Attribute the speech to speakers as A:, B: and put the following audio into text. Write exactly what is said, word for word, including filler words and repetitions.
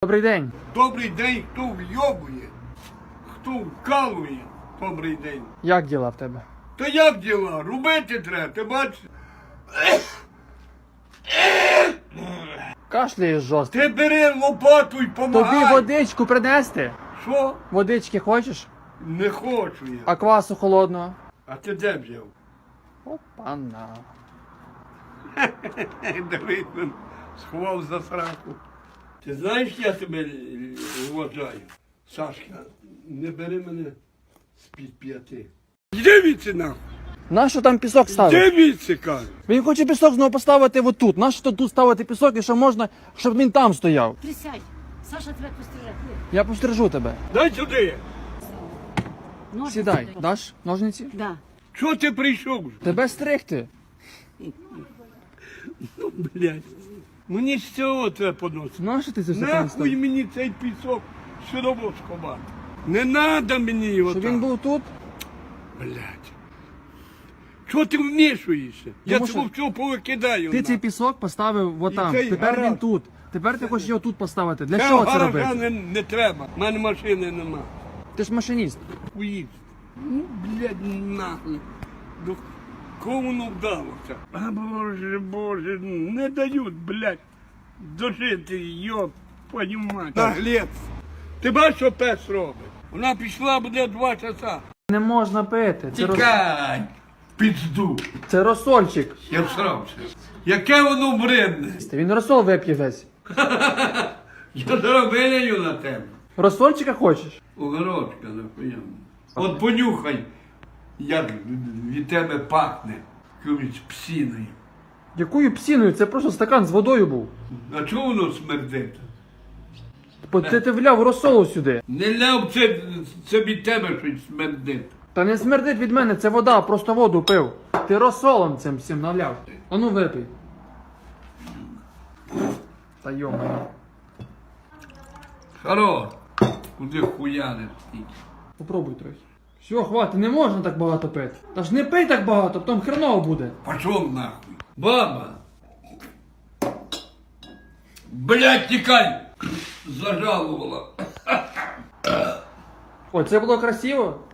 A: Добрий день.
B: Добрий день, хто вйобує, хто вкалує, добрий день.
A: Як діла в тебе?
B: Та як діла? Робити треба, ти бачиш?
A: Кашляєш жорстко.
B: Ти бери лопату і
A: Тобі
B: помагай.
A: водичку принести?
B: Що?
A: Водички хочеш?
B: Не хочу я.
A: А квасу холодного?
B: А ти де взяв?
A: Опана.
B: Дивись, він сховав за сраку. Ти знаєш, я тебе вважаю? Сашка, не бери мене з-під п'яти. Йди віці нахуй!
A: Нащо там пісок ставити?
B: Йди віці, кажу!
A: Він хоче пісок знову поставити отут. Нащо тут ставити пісок і що можна, щоб він там стояв?
C: Присядь. Саша тебе постріляє.
A: Я постережу тебе.
B: Дай сюди!
C: Ножниці
A: Сідай.
C: дай.
A: Даш ножниці?
C: Да.
B: Чого ти прийшов?
A: Тебе стригти.
B: Ну, блядь. Мені з цього треба поносити.
A: Нащо ти це все
B: Нахуй
A: принестав?
B: мені цей пісок сюди сховати. Не треба мені його
A: Щоб
B: так.
A: він був тут?
B: Блядь. Чого ти вмішуєшся? Я
A: Тому
B: цього
A: що
B: всього повикидаю.
A: Ти цей
B: нахуй.
A: пісок поставив отам.
B: цей
A: Тепер
B: гараж.
A: він тут. Тепер ти хочеш його тут поставити. Для
B: Цього
A: чого це
B: гаража
A: робити?
B: не, не треба. У мене машини нема.
A: Ти ж машиніст.
B: Уїдь. Ну, блядь, нахуй. До кого воно вдалося? А боже, боже, не дають, блядь, дожити, йоп, твою мать. Наглець. Ти бачиш, що пес робить? Вона пішла, буде два часа.
A: Не можна пити. Це, рос...
B: Тікай, пізду.
A: це розсольчик.
B: Я всрався. Яке воно бредне.
A: Він розсол вип'є весь.
B: Я заробляю на тебе.
A: Розсольчика хочеш?
B: Огородка, нахуя. От понюхай, як від тебе пахне якоюсь псіною.
A: Якою псіною? Це просто стакан з водою був.
B: А чого воно смердить?
A: Бо Ти, ти вляв розсолу сюди.
B: Не ляв, це, це від тебе щось смердить.
A: Та не смердить від мене, це вода, просто воду пив. Ти розсолом цим всім наляв. А ну випий. Та йома.
B: Хоро, куди хуяне стільки.
A: Попробуй трохи. Все, хватить, не можна так багато пити. Та ж не пий так багато, потім хреново буде.
B: Пошов нахуй. Баба. Блядь, тікай. Зажалувала.
A: О, це було красиво.